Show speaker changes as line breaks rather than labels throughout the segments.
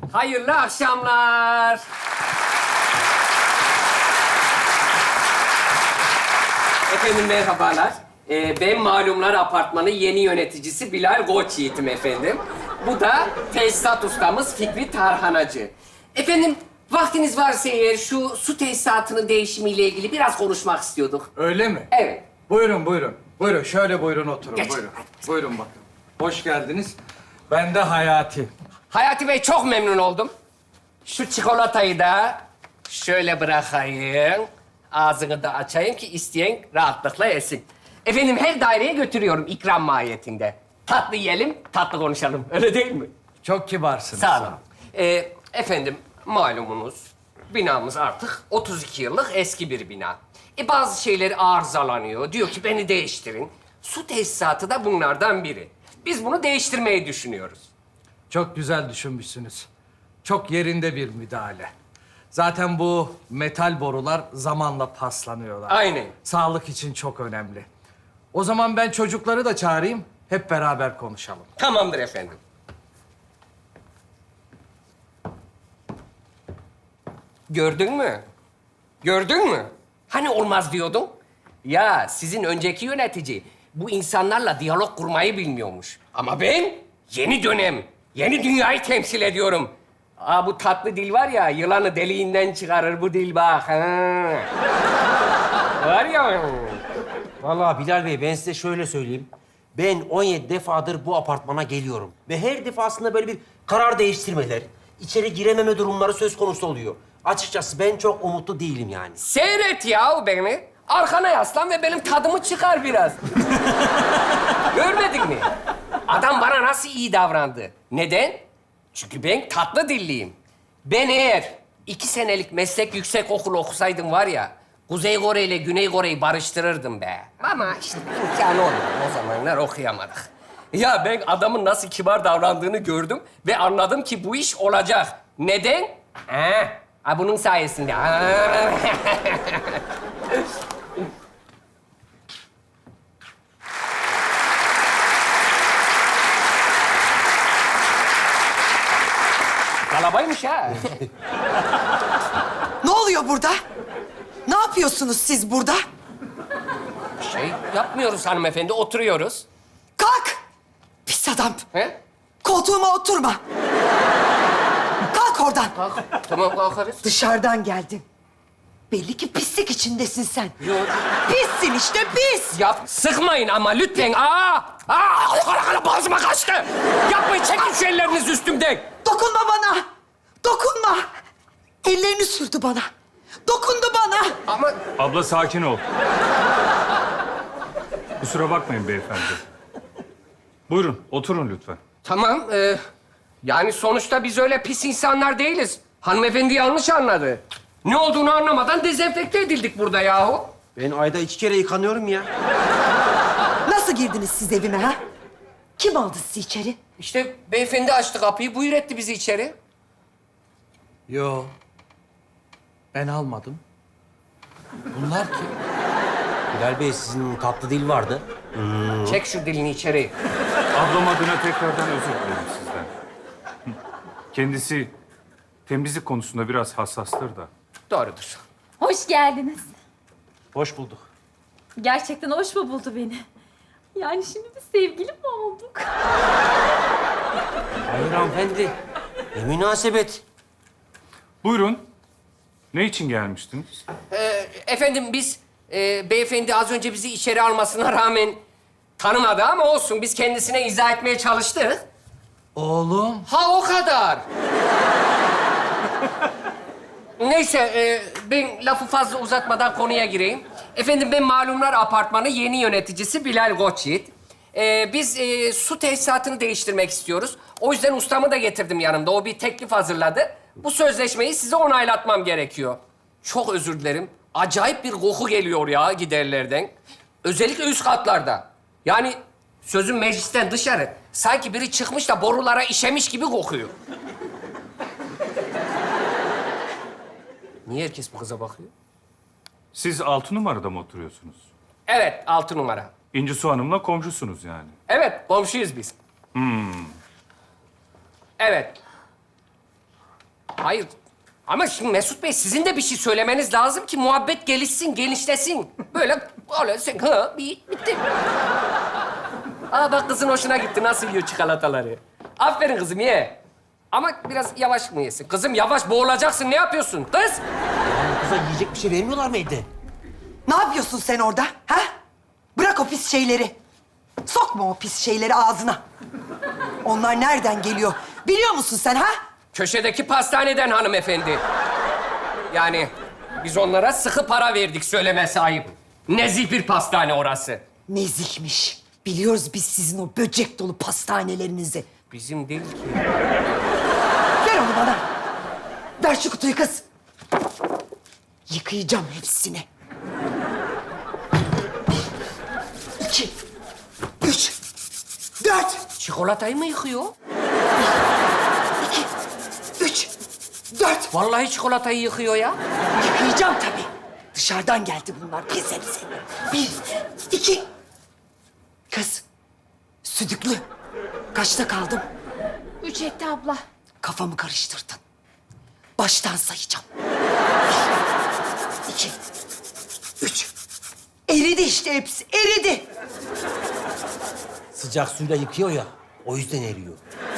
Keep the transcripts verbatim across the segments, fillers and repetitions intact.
Hayırlı akşamlar. Efendim merhabalar. Ee, ben Malumlar Apartmanı yeni yöneticisi Bilal Koçyiğit'im efendim. Bu da tesisat ustamız Fikri Tarhanacı. Efendim vaktiniz varsa eğer şu su tesisatının değişimiyle ilgili biraz konuşmak istiyorduk.
Öyle mi?
Evet.
Buyurun, buyurun. Buyurun, şöyle buyurun oturun,
Geç.
buyurun. Buyurun bakın. Hoş geldiniz. Ben de Hayati.
Hayati Bey çok memnun oldum. Şu çikolatayı da şöyle bırakayım. Ağzını da açayım ki isteyen rahatlıkla yesin. Efendim her daireye götürüyorum ikram mahiyetinde. Tatlı yiyelim, tatlı konuşalım. Öyle değil mi?
Çok kibarsınız.
Sağ olun. Ee, efendim malumunuz binamız artık otuz iki yıllık eski bir bina. E bazı şeyler arızalanıyor. Diyor ki beni değiştirin. Su tesisatı da bunlardan biri. Biz bunu değiştirmeyi düşünüyoruz.
Çok güzel düşünmüşsünüz. Çok yerinde bir müdahale. Zaten bu metal borular zamanla paslanıyorlar.
Aynen.
Sağlık için çok önemli. O zaman ben çocukları da çağırayım, hep beraber konuşalım.
Tamamdır efendim. Gördün mü? Gördün mü? Hani olmaz diyordun? Ya sizin önceki yönetici bu insanlarla diyalog kurmayı bilmiyormuş. Ama ben yeni dönem, yeni dünyayı temsil ediyorum. Aa bu tatlı dil var ya, yılanı deliğinden çıkarır bu dil bak. Ha. Var ya.
Vallahi Bilal Bey ben size şöyle söyleyeyim. Ben on yedi defadır bu apartmana geliyorum. Ve her defasında böyle bir karar değiştirmeler, içeri girememe durumları söz konusu oluyor. Açıkçası ben çok umutlu değilim yani.
Seyret ya beni. Arkana yaslan ve benim tadımı çıkar biraz. Görmedin mi? Adam bana nasıl iyi davrandı. Neden? Çünkü ben tatlı dilliyim. Ben eğer iki senelik meslek yüksek okulu okusaydım var ya... Kuzey Kore ile Güney Kore'yi barıştırırdım be. Ama işte imkanı olmadı. O zamanlar okuyamadık. Ya ben adamın nasıl kibar davrandığını gördüm ve anladım ki bu iş olacak. Neden? Ha, ha bunun sayesinde. Ha. Kalabaymış ha.
Ne oluyor burada? Ne yapıyorsunuz siz burada?
Şey yapmıyoruz hanımefendi, oturuyoruz.
Kalk! Pis adam!
He?
Koltuğuma oturma! Kalk oradan!
Kalk. Tamam kalkarız.
Dışarıdan geldin. Belli ki pislik içindesin sen.
Yok.
Pissin işte, pis!
Ya sıkmayın ama lütfen. Aa! Aa! Kara kara boğazıma kaçtı. Yapmayın, çekin şu ellerinizi üstümden.
Dokunma bana! Dokunma! Ellerini sürdü bana. Dokundu bana.
Ama
Abla sakin ol. Kusura bakmayın beyefendi. Buyurun, oturun lütfen.
tamam. E, yani sonuçta biz öyle pis insanlar değiliz. Hanımefendi yanlış anladı. Ne olduğunu anlamadan dezenfekte edildik burada yahu.
Ben ayda iki kere yıkanıyorum ya.
Nasıl girdiniz siz evime ha? Kim aldı sizi içeri?
İşte beyefendi açtı kapıyı, buyur etti bizi içeri.
Yo. Ben almadım. Bunlar kim?
Bilal Bey sizin tatlı dil vardı.
Çek şu dilini içeri.
Ablam adına tekrardan özür dilerim sizden. Kendisi temizlik konusunda biraz hassastır da.
Doğrudur.
Hoş geldiniz.
Hoş bulduk.
Gerçekten hoş mu buldu beni? Yani şimdi biz sevgili mi olduk?
Hayır hanımefendi. Ne münasebet.
Buyurun. Ne için gelmiştiniz?
Ee, efendim biz e, beyefendi az önce bizi içeri almasına rağmen tanımadı ama olsun. Biz kendisine izah etmeye çalıştık.
Oğlum.
Ha o kadar. Neyse e, ben lafı fazla uzatmadan konuya gireyim. Efendim ben Malumlar Apartmanı yeni yöneticisi Bilal Koçyiğit. Ee, biz e, su tesisatını değiştirmek istiyoruz. O yüzden ustamı da getirdim yanımda. O bir teklif hazırladı. Bu sözleşmeyi size onaylatmam gerekiyor. Çok özür dilerim. Acayip bir koku geliyor ya giderlerden. Özellikle üst katlarda. Yani sözüm meclisten dışarı. Sanki biri çıkmış da borulara işemiş gibi kokuyor. Niye herkes bu kıza bakıyor?
Siz altı numarada mı oturuyorsunuz?
Evet, altı numara.
İnci Su Hanım'la komşusunuz yani.
Evet, komşuyuz biz. Evet. Hayır. Ama şimdi Mesut Bey sizin de bir şey söylemeniz lazım ki muhabbet gelişsin, genişlesin. Böyle öyle sen ha bir bitti. Aa bak kızın hoşuna gitti. Nasıl yiyor çikolataları. Aferin kızım ye. Ama biraz yavaş mı yesin? Kızım yavaş boğulacaksın. Ne yapıyorsun kız?
Yani kıza yiyecek bir şey vermiyorlar mı evde?
Ne yapıyorsun sen orada? Ha? Bırak o pis şeyleri. Sokma o pis şeyleri ağzına. Onlar nereden geliyor? Biliyor musun sen ha?
Köşedeki pastaneden hanımefendi. Yani biz onlara sıkı para verdik söylemesi ayıp. Nezih bir pastane orası.
Nezihmiş. Biliyoruz biz sizin o böcek dolu pastanelerinizi.
Bizim değil ki.
Ver onu bana. Ver şu kutuyu kız. Yıkayacağım hepsini. Bir, iki, üç, dört,
Çikolatayı mı yıkıyor?
iki, üç, dört.
Vallahi çikolatayı yıkıyor ya.
Yıkayacağım tabii. Dışarıdan geldi bunlar pis hepsi. Bir, iki. Kız, südüklü. Kaçta kaldım?
Üç etti abla.
Kafamı karıştırdın. Baştan sayacağım. Bir, iki, üç. Eridi işte hepsi, eridi.
Sıcak suyla yıkıyor ya, o yüzden eriyor.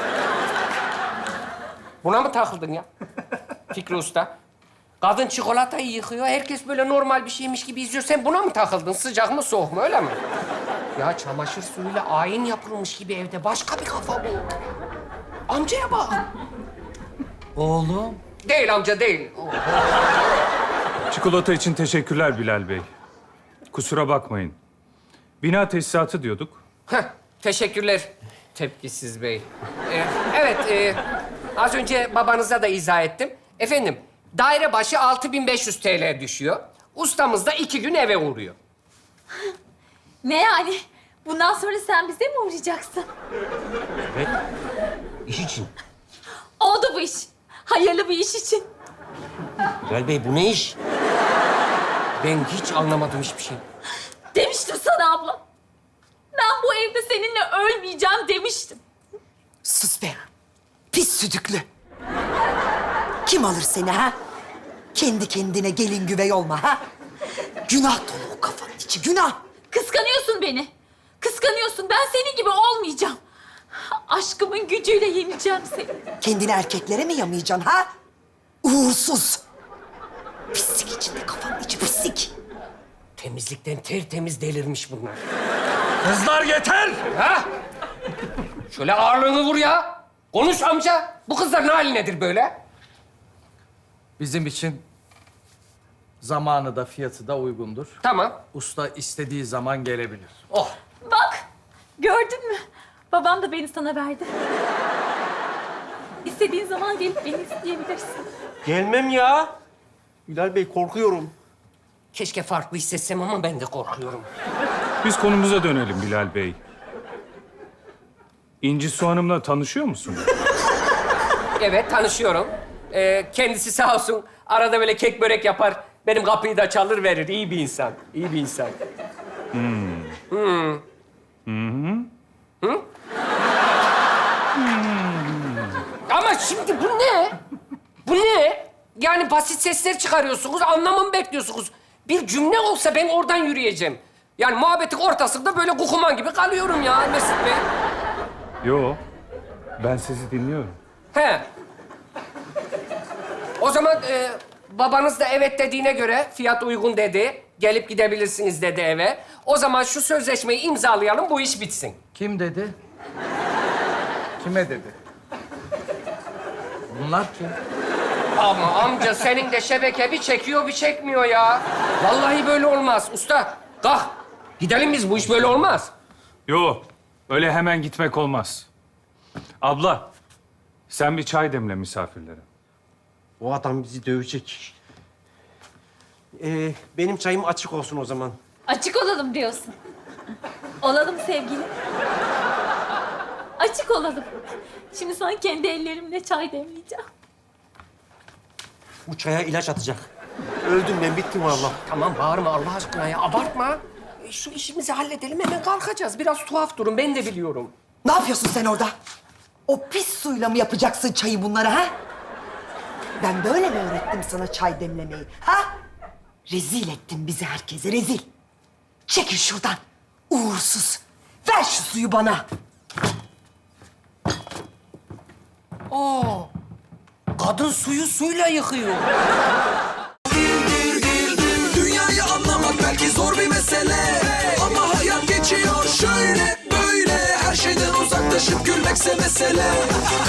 Buna mı takıldın ya? Fikri Usta. Kadın çikolatayı yıkıyor. Herkes böyle normal bir şeymiş gibi izliyor. Sen buna mı takıldın? Sıcak mı soğuk mu öyle mi? Ya çamaşır suyuyla ayin yapılmış gibi evde. Başka bir kafa bu. Amcaya bak.
Oğlum.
Değil amca değil.
Çikolata için teşekkürler Bilal Bey. Kusura bakmayın. Bina tesisatı diyorduk.
Heh, teşekkürler tepkisiz bey. Ee, evet, e, az önce babanıza da izah ettim. Efendim, daire başı altı bin beş yüz T L düşüyor. Ustamız da iki gün eve uğruyor.
Ne yani? Bundan sonra sen bize mi uğrayacaksın?
Evet. İş için.
Oldu bu iş. Hayırlı bir iş için.
Bilal Bey bu ne iş?
Ben hiç anlamadım hiçbir şey.
Demiştim sana abla. Ben bu evde seninle ölmeyeceğim demiştim.
Sus be. Pis südüklü. Kim alır seni ha? Kendi kendine gelin güvey olma ha? Günah dolu o kafanın içi, günah.
Kıskanıyorsun beni. Kıskanıyorsun. Ben senin gibi olmayacağım. Aşkımın gücüyle yeneceğim seni.
Kendini erkeklere mi yamayacaksın ha? Uğursuz. Pislik içinde kafanın içi pislik.
Temizlikten tertemiz delirmiş bunlar.
Kızlar yeter!
Ha? Şöyle ağırlığını vur ya. Konuş amca. Bu kızlar ne halindedir böyle?
Bizim için zamanı da fiyatı da uygundur.
Tamam.
Usta istediği zaman gelebilir.
Oh.
Bak, gördün mü? Babam da beni sana verdi. İstediğin zaman gelip beni isteyebilirsin.
Gelmem ya. Bilal Bey korkuyorum.
Keşke farklı hissetsem ama ben de korkuyorum.
Biz konumuza dönelim Bilal Bey. İnci Su Hanım'la tanışıyor musun?
Evet, tanışıyorum. Ee, kendisi sağ olsun arada böyle kek börek yapar. Benim kapıyı da çalır verir. İyi bir insan. İyi bir insan. Ama şimdi bu ne? Bu ne? Yani basit sesler çıkarıyorsunuz, anlamamı bekliyorsunuz. Bir cümle olsa ben oradan yürüyeceğim. Yani muhabbetin ortasında böyle kukuman gibi kalıyorum ya Mesut Bey.
Yo. Ben sizi dinliyorum.
He. O zaman e, babanız da evet dediğine göre fiyat uygun dedi. Gelip gidebilirsiniz dedi eve. O zaman şu sözleşmeyi imzalayalım, bu iş bitsin.
Kim dedi? Kime dedi? Bunlar kim?
Ama amca senin de şebeke bir çekiyor bir çekmiyor ya. Vallahi böyle olmaz. Usta kalk. Gidelim biz, bu iş böyle olmaz.
Yo. Öyle hemen gitmek olmaz. Abla, sen bir çay demle misafirlere.
O adam bizi dövecek. Ee, benim çayım açık olsun o zaman.
Açık olalım diyorsun. Olalım sevgilim. Açık olalım. Şimdi sana kendi ellerimle çay demleyeceğim.
Bu çaya ilaç atacak. Öldüm ben, bittim vallahi.
Tamam bağırma Allah aşkına ya, abartma. E, Şu işimizi halledelim, hemen kalkacağız. Biraz tuhaf durun, ben de biliyorum.
Ne yapıyorsun sen orada? O pis suyla mı yapacaksın çayı bunlara ha? Ben böyle mi öğrettim sana çay demlemeyi? Ha? Rezil ettin bizi herkese, rezil. Çekil şuradan, uğursuz. Ver şu suyu bana.
Oo. Kadın suyu suyla yıkıyor.
Dünyayı anlamak belki zor bir mesele, ama hayat geçiyor şöyle böyle. Her şeyden uzaklaşıp gülmekse mesele.